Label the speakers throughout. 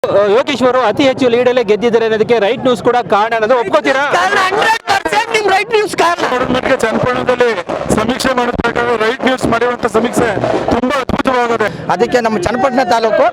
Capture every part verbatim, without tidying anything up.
Speaker 1: ಯೋಗೇಶ್ವರು ಅತಿ ಹೆಚ್ಚು ಲೀಡಲ್ಲೇ ಗೆದ್ದಿದ್ದಾರೆ ಅನ್ನೋದಕ್ಕೆ ರೈಟ್ ನ್ಯೂಸ್ ಕೂಡ ಕಾರಣ ಅನ್ನೋದು ಒಪ್ಕೋತೀರಾ?
Speaker 2: ರೈಟ್ ನ್ಯೂಸ್ ಕಾರಣ
Speaker 3: ಚನ್ನಪಟ್ಟಣದಲ್ಲಿ ಸಮೀಕ್ಷೆ ಮಾಡಿದ ಪ್ರಕಾರ ರೈಟ್ ನ್ಯೂಸ್ ಮಾಡಿರುವಂತ ಸಮೀಕ್ಷೆ ತುಂಬಾ ಅದ್ಭುತವಾಗಿದೆ.
Speaker 2: ಅದಕ್ಕೆ ನಮ್ಮ ಚನ್ನಪಟ್ಟಣ ತಾಲೂಕು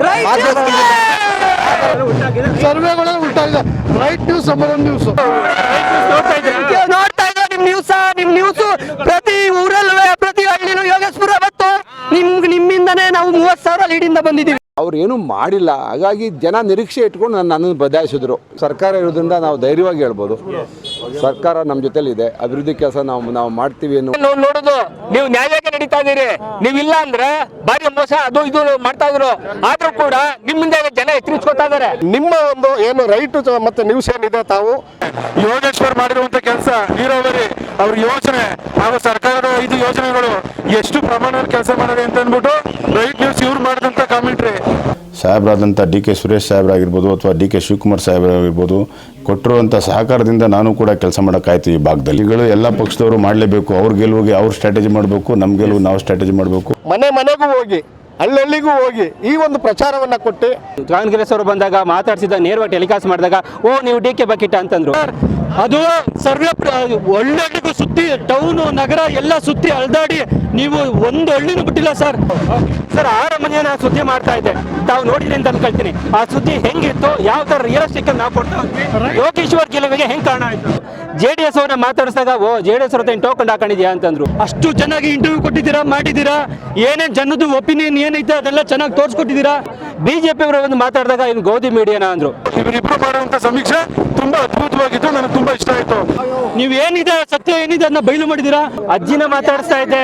Speaker 3: ಸರ್ವೆಗಳು ಉಂಟಾಗಿದೆ. Right news number one news
Speaker 2: ನೋಡ್ತಾ ಇದ್ದಾರೆ. ನಿಮ್ ನ್ಯೂಸ್ ನಿಮ್ ನ್ಯೂಸ್ ಪ್ರತಿ ಊರಲ್ಲೂ ಪ್ರತಿ ಹಳ್ಳಿನೂ ಯೋಗೇಶ್ವರ ಮತ್ತು ನಿಮ್ ನಿಮ್ಮಿಂದನೇ ನಾವು ಮೂವತ್ತು ಸಾವಿರ ಲೀಡಿಂದ ಬಂದಿದ್ದೀವಿ.
Speaker 4: ಅವ್ರು ಏನೂ ಮಾಡಿಲ್ಲ, ಹಾಗಾಗಿ ಜನ ನಿರೀಕ್ಷೆ ಇಟ್ಕೊಂಡು ನನ್ನ ನನ್ನನ್ನು ಬದಲಾಯಿಸಿದ್ರು. ಸರ್ಕಾರ ಇರೋದ್ರಿಂದ ನಾವು ಧೈರ್ಯವಾಗಿ ಹೇಳ್ಬೋದು, ಸರ್ಕಾರ ನಮ್ಮ ಜೊತೆಲಿದೆ, ಅಭಿವೃದ್ಧಿ ಕೆಲಸ ನಾವು ನಾವು ಮಾಡ್ತೀವಿ ಅನ್ನೋ
Speaker 1: ನೋಡೋದು. ನೀವು ನ್ಯಾಯಕ್ಕೆ ನಡೀತಾ ಇದೀರಿ, ನೀವಿಲ್ಲ ಅಂದ್ರೆ ಬಾರಿ ಮೋಸ ಅದು ಇದು ಮಾಡ್ತಾ ಇದ್ರು. ಆದ್ರೂ ಕೂಡ ನಿಮ್ಮಿಂದ ಜನ ಎಚ್ಚರಿಸ್ಕೊತಾ ಇದಾರೆ.
Speaker 3: ನಿಮ್ಮ ಒಂದು ಏನು ರೈಟ್ ಮತ್ತೆ ನ್ಯೂಸ್ ಏನಿದೆ, ತಾವು ಯೋಗೇಶ್ವರ್ ಮಾಡಿರುವಂತ ಕೆಲಸ, ನೀರಾವರಿ ಅವ್ರ ಯೋಜನೆ ಹಾಗೂ ಸರ್ಕಾರದ ಐದು ಯೋಜನೆಗಳು ಎಷ್ಟು ಪ್ರಮಾಣದಲ್ಲಿ ಕೆಲಸ ಮಾಡಿದೆ ಅಂತ ಅಂದ್ಬಿಟ್ಟು ರೈಟ್ ನ್ಯೂಸ್ ಇವ್ರು ಮಾಡಿದಂತ ಕಾಮೆಂಟ್ರಿ.
Speaker 5: ಸಾಹೇಬರಾದಂಥ ಡಿ ಕೆ ಸುರೇಶ್ ಸಾಹೇಬರಾಗಿರ್ಬೋದು ಅಥವಾ ಡಿ ಕೆ ಶಿವಕುಮಾರ್ ಸಾಹೇಬರಾಗಿರ್ಬೋದು ಕೊಟ್ಟಿರುವಂಥ ಸಹಕಾರದಿಂದ ನಾನು ಕೂಡ ಕೆಲಸ ಮಾಡೋಕ್ಕಾಯ್ತು. ಈ ಭಾಗದಲ್ಲಿ ಈಗಳು ಎಲ್ಲ ಪಕ್ಷದವರು ಮಾಡಲೇಬೇಕು. ಅವ್ರ ಗೆಲುವಿಗೆ ಅವ್ರು ಸ್ಟ್ರಾಟಜಿ ಮಾಡಬೇಕು, ನಮ್ಮ ಗೆಲುವು ನಾವು ಸ್ಟ್ರಾಟಜಿ ಮಾಡಬೇಕು.
Speaker 3: ಮನೆ ಮನೆಗೂ ಹೋಗಿ ಹಳ್ಳಿಗೂ ಹೋಗಿ ಈ ಒಂದು ಪ್ರಚಾರವನ್ನ ಕೊಟ್ಟು
Speaker 1: ಕಾಂಗ್ರೆಸ್ ಅವರು ಬಂದಾಗ ಮಾತಾಡ್ಸಿದ ನೇರವಾಗಿ ಟೆಲಿಕಾಸ್ಟ್ ಮಾಡಿದಾಗ ಓ ನೀವು ಡಿ ಕೆ ಬಕೆಟ್ ಅಂತಂದ್ರು.
Speaker 6: ಅದು ಸರ್ವೆ ಒಳ್ಳೆಗೂ ಸುತ್ತಿ ಟೌನು ನಗರ ಎಲ್ಲ ಸುತ್ತಿ ಅಲ್ದಾಡಿ ನೀವು ಒಂದು ಹಳ್ಳಿನೂ ಬಿಟ್ಟಿಲ್ಲ ಸರ್.
Speaker 1: ಸರ್ ಆರು ಮನೆಯನ್ನ ಸುದ್ದಿ ಮಾಡ್ತಾ ಇದ್ದೆ, ತಾವು ನೋಡಿದ್ರಿ ಅಂತ ಅನ್ಕೊಳ್ತೀನಿ. ಆ ಸುದ್ದಿ ಹೆಂಗಿತ್ತು, ಯಾವ ತರ ರಿಯಲಿಸ್ಟಿಕ್ ನಾವು ಕೊಡ್ತಾ ಹೋದ್ವಿ, ಯೋಗೇಶ್ವರ್ ಗೆಲುವಿಗೆ ಹೆಂಗ್ ಕಾರಣ ಆಯ್ತು. ಜೆ ಡಿ ಎಸ್ ಅವ್ರನ್ನ ಮಾತಾಡಿಸಿದಾಗ ಓ ಜೆ ಡಿ ಎಸ್ ಅವ್ರ ಟೋಕನ್ ಹಾಕೊಂಡಿದ್ಯಾ ಅಂತಂದ್ರು.
Speaker 6: ಅಷ್ಟು ಚೆನ್ನಾಗಿ ಇಂಟರ್ವ್ಯೂ ಕೊಟ್ಟಿದ್ದೀರಾ, ಮಾಡಿದ್ದೀರಾ, ಏನೇನ್ ಜನದ ಒಪಿನಿಯನ್ ಏನೈತೆ ಅದೆಲ್ಲ ಚೆನ್ನಾಗಿ ತೋರಿಸ್ಕೊಟ್ಟಿದ್ದೀರಾ.
Speaker 1: ಬಿಜೆಪಿ ಅವರು ಒಂದು ಮಾತಾಡಿದಾಗ ಇದು ಗೋಧಿ ಮೀಡಿಯಾನ ಅಂದ್ರು.
Speaker 3: ಇವರಿಬ್ರು ಮಾಡುವಂತ ಸಮೀಕ್ಷೆ ತುಂಬಾ ಅದ್ಭುತವಾಗಿತ್ತು, ನನಗೆ ತುಂಬಾ ಇಷ್ಟ ಆಯ್ತು.
Speaker 6: ನೀವು ಏನಿದೆ ಸತ್ಯ ಏನಿದೆ ಅದನ್ನ ಬಯಲು ಮಾಡಿದ್ದೀರಾ.
Speaker 1: ಅಜ್ಜಿನ ಮಾತಾಡಿಸ್ತಾ ಇದೆ,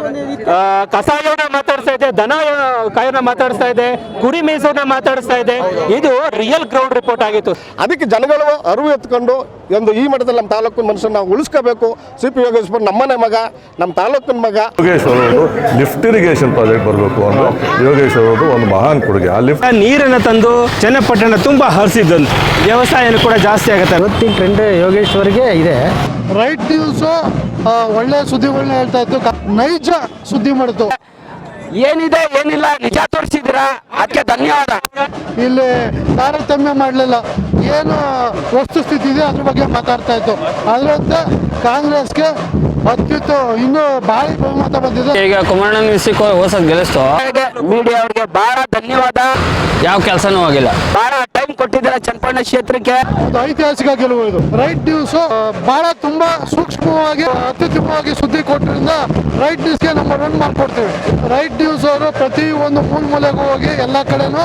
Speaker 1: ಕಸಾಯವ್ರನ್ನ ಮಾತಾಡಿಸ್ತಾ ಇದೆ, ದನ ಕಾಯನ್ನ ಮಾತಾಡಿಸ್ತಾ ಇದೆ, ಕುರಿ ಮೇಸವ್ರನ್ನ ಮಾತಾಡಿಸ್ತಾ ಇದೆ. ಇದು ರಿಯಲ್ ಗ್ರೌಂಡ್ ರಿಪೋರ್ಟ್ ಆಗಿತ್ತು.
Speaker 3: ಅದಕ್ಕೆ ಜನಗಳು ಅರಿವು ಎತ್ಕೊಂಡು ಒಂದು ಈ ಮಟ್ಟದಲ್ಲಿ ನಮ್ಮ ತಾಲೂಕಿನ ಮನುಷ್ಯನ ನಾವು ಉಳಿಸ್ಕೋಬೇಕು. ಸಿ ಪಿ ಯೋಗೇಶ್ವರ್ ನಮ್ಮನೆ ಮಗ, ನಮ್ಮ ತಾಲೂಕಿನ ಮಗ.
Speaker 7: ಯೋಗೇಶ್ವರ್ ಅವರು ಲಿಫ್ಟ್ ಇರಿಗೇಷನ್ ಪ್ರಾಜೆಕ್ಟ್ ಬರಬೇಕು ಅಂದ್ರೆ ಯೋಗೇಶ್ವರ್ ಅವರು ಒಂದು ಮಹಾನ್ ಕೊಡುಗೆ. ಆ ಲಿಫ್ಟ್
Speaker 1: ನೀರನ್ನು ತಂದು ಚನ್ನಪಟ್ಟಣ ತುಂಬಾ ಹರಿಸಿದ್ದು, ವ್ಯವಸಾಯನೂ ಕೂಡ ಜಾಸ್ತಿ ಆಗುತ್ತೆ.
Speaker 2: ಇವತ್ತಿನ ಟ್ರೆಂಡ್ ಯೋಗೇಶ್ವರ್ಗೆ ಇದೆ.
Speaker 3: ರೈಟ್ ನ್ಯೂಸ್ ಒಳ್ಳೆ ಸುದ್ದಿಗಳನ್ನ ಹೇಳ್ತಾ ಇತ್ತು, ನೈಜ ಸುದ್ದಿ ಮಾಡಿತು.
Speaker 1: ಏನಿದೆ ಏನಿಲ್ಲ ನಿಜ ತೋರಿಸಿದ್ದೀರಾ, ಅದಕ್ಕೆ ಧನ್ಯವಾದ.
Speaker 3: ಇಲ್ಲಿ ತಾರತಮ್ಯ ಮಾಡಲಿಲ್ಲ, ಏನು ವಸ್ತುಸ್ಥಿತಿ ಇದೆ ಅದ್ರ ಬಗ್ಗೆ ಮಾತಾಡ್ತಾ ಇತ್ತು. ಅದರಂತೆ ಕಾಂಗ್ರೆಸ್ಗೆ ಅತ್ಯುತ್ತ ಇನ್ನೂ ಭಾರಿ ಬಹುಮತ ಬಂದಿದೆ.
Speaker 8: ಈಗ ಕುಮಾರಣ್ಣ ಮ್ಯೂಸಿಕ್ ಹೊಸದ್ ಗೆಲ್ಲಿಸ್ತು.
Speaker 1: ಮೀಡಿಯಾ ಅವರಿಗೆ ಬಹಳ ಧನ್ಯವಾದ.
Speaker 8: ಯಾವ ಕೆಲಸನೂ ಆಗಿಲ್ಲ,
Speaker 1: ಬಹಳ ಟೈಮ್ ಕೊಟ್ಟಿದ್ದಾರೆ ಚನ್ನಪಟ್ಟಣ ಕ್ಷೇತ್ರಕ್ಕೆ.
Speaker 3: ಒಂದು ಐತಿಹಾಸಿಕ ಗೆಲುವು ಇದು. ರೈಟ್ ನ್ಯೂಸ್ ಬಹಳ ತುಂಬಾ ಸೂಕ್ಷ್ಮವಾಗಿ ಅತ್ಯುತ್ತಮವಾಗಿ ಸುದ್ದಿ ಕೊಟ್ಟರಿಂದ ರೈಟ್ ನ್ಯೂಸ್ಗೆ ನಂಬರ್ ಒನ್ ಮಾಡ್ಕೊಡ್ತೀವಿ. ರೈಟ್ ನ್ಯೂಸ್ ಅವರು ಪ್ರತಿ ಒಂದು ಮೂಲ ಮೂಲೆಗೂ ಹೋಗಿ ಎಲ್ಲ ಕಡೆನೂ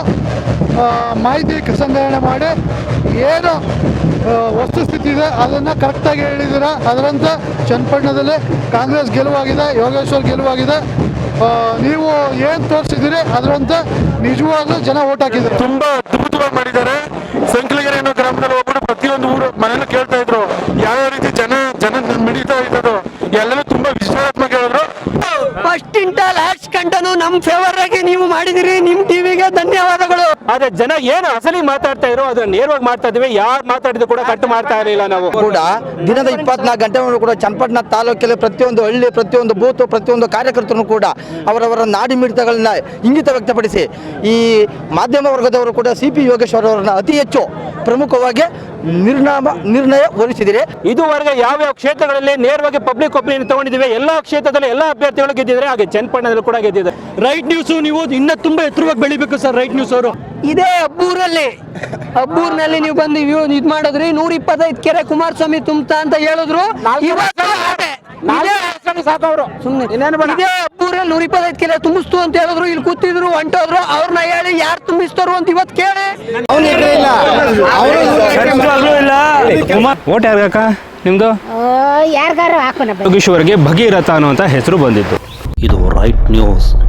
Speaker 3: ಮಾಹಿತಿ ಸಂಗ್ರಹಣೆ ಮಾಡಿ ಏನು ವಸ್ತುಸ್ಥಿತಿ ಇದೆ ಅದನ್ನು ಕರೆಕ್ಟಾಗಿ ಹೇಳಿದ್ದೀರಾ. ಅದರಂತೆ ಚನ್ನಪಟ್ಟಣದಲ್ಲಿ ಕಾಂಗ್ರೆಸ್ ಗೆಲುವಾಗಿದೆ, ಯೋಗೇಶ್ವರ್ ಗೆಲುವಾಗಿದೆ. ನೀವು ಏನು ತೋರಿಸಿದ್ದೀರಿ ಅದರಂತೆ ನಿಜವಾಗ್ಲೂ ಜನ ಓಟ್ ಹಾಕಿದ್ದಾರೆ. ತುಂಬಾ ಅದ್ಭುತವಾಗಿ ಮಾಡಿದ್ದಾರೆ. ಸಂಕಲಗೆರೆ ಅನ್ನೋ ಗ್ರಾಮದಲ್ಲಿ ಹೋಗ್ಬಿಟ್ಟು ಪ್ರತಿಯೊಂದು ಊರು ಮನೇಲಿ ಕೇಳ್ತಾ ಇದ್ರು ಯಾವ್ಯಾವ ರೀತಿ ಜನ ಜನ ಮಿಡಿತಾ ಇದ್ದದು, ಎಲ್ಲರೂ ತುಂಬಾ ವಿಶ್ಲೇಷಣಾತ್ಮಕ ಹೇಳಿದ್ರು.
Speaker 2: ಫಸ್ಟ್ ಇಂಟ ಲಾಸ್ಟ್ ಕಂಟನು ನಮ್ ಫೇವರ್ ಆಗಿ ನೀವು ಮಾಡಿದಿರಿ. ನಿಮ್ ಟಿವಿಗೆ ಧನ್ಯವಾದಗಳು.
Speaker 1: ಆದ್ರೆ ಜನ ಏನು ಅಸಲಿ ಮಾತಾಡ್ತಾ ಇದ್ರು ಅದನ್ನ ನೇರವಾಗಿ ಮಾಡ್ತಾ ಇದ್ವಿ. ಯಾರು ಮಾತಾಡಿದ್ರು ಕೂಡ ಕಟ್ಟು ಮಾಡ್ತಾ ಇರಲಿಲ್ಲ. ನಾವು
Speaker 2: ಕೂಡ ದಿನದ ಇಪ್ಪತ್ನಾಲ್ಕು ಗಂಟೆ ಕೂಡ ಚನ್ನಪಟ್ಟಣ ತಾಲೂಕಲ್ಲಿ ಪ್ರತಿಯೊಂದು ಹಳ್ಳಿ, ಪ್ರತಿಯೊಂದು ಬೂತ್, ಪ್ರತಿಯೊಂದು ಕಾರ್ಯಕರ್ತರು ಕೂಡ ಅವರವರ ನಾಡಿ ಮಿಡಿತಗಳನ್ನ ಇಂಗಿತ ವ್ಯಕ್ತಪಡಿಸಿ ಈ ಮಾಧ್ಯಮ ವರ್ಗದವರು ಕೂಡ ಸಿ ಪಿ ಯೋಗೇಶ್ವರ್ ಅವರನ್ನ ಅತಿ ಹೆಚ್ಚು ಪ್ರಮುಖವಾಗಿ ನಿರ್ನಾಮ ನಿರ್ಣಯ ಹೊರಿಸಿದಿರಿ.
Speaker 1: ಇದುವರೆಗೆ ಯಾವ್ಯಾವ ಕ್ಷೇತ್ರಗಳಲ್ಲಿ ನೇರವಾಗಿ ಪಬ್ಲಿಕ್ ಒಪಿನಿಯನ್ ತಗೊಂಡಿದ್ದೀವಿ, ಎಲ್ಲಾ ಕ್ಷೇತ್ರದಲ್ಲಿ ಎಲ್ಲಾ ಅಭ್ಯರ್ಥಿಗಳು ಗೆದ್ದಿದ್ದಾರೆ, ಹಾಗೆ ಚನ್ನಪಟ್ಟಣದಲ್ಲಿ ಕೂಡ ಗೆದ್ದಿದ್ದಾರೆ.
Speaker 6: ರೈಟ್ ನ್ಯೂಸ್ ನೀವು ಇನ್ನ ತುಂಬಾ ಎತ್ತರವಾಗಿ ಬೆಳಿಬೇಕು ಸರ್. ರೈಟ್ ನ್ಯೂಸ್ ಅವರು
Speaker 2: ಇದೇ ಅಬ್ಬೂರಲ್ಲಿ ಅಬ್ಬೂರ್ನಲ್ಲಿ ನೀವು ಬಂದು ಇದ್ ಮಾಡಿದ್ರಿ. ನೂರ ಇಪ್ಪತ್ತೈದು ಕೆರೆ ಕುಮಾರಸ್ವಾಮಿ ತುಂಬತಾ ಅಂತ ಹೇಳಿದ್ರು. ಇದೇ ಅಬ್ಬೂರಲ್ಲಿ ನೂರ ಇಪ್ಪತ್ತೈದು ಕೆರೆ ತುಂಬಿಸ್ತು ಅಂತ ಹೇಳಿದ್ರು. ಇಲ್ಲಿ ಕೂತಿದ್ರು, ಹೊಂಟೋದ್ರು. ಅವ್ರನ್ನ ಹೇಳಿ ಯಾರು ತುಂಬಿಸ್ತಾರು ಅಂತ ಇವತ್ತು ಕೇಳಿ.
Speaker 1: ಓಟ್ ಯಾರ್ಗಾಕ ನಿಮ್ದು?
Speaker 9: ಯಾರಿಗಾರು ಹಾಕೋಣ.
Speaker 1: ಯೋಗೇಶ್ವರ್ಗೆ ಭಗೀರಥ ಅನ್ನುವಂತ ಹೆಸರು ಬಂದಿತ್ತು.
Speaker 10: ಇದು ರೈಟ್ ನ್ಯೂಸ್.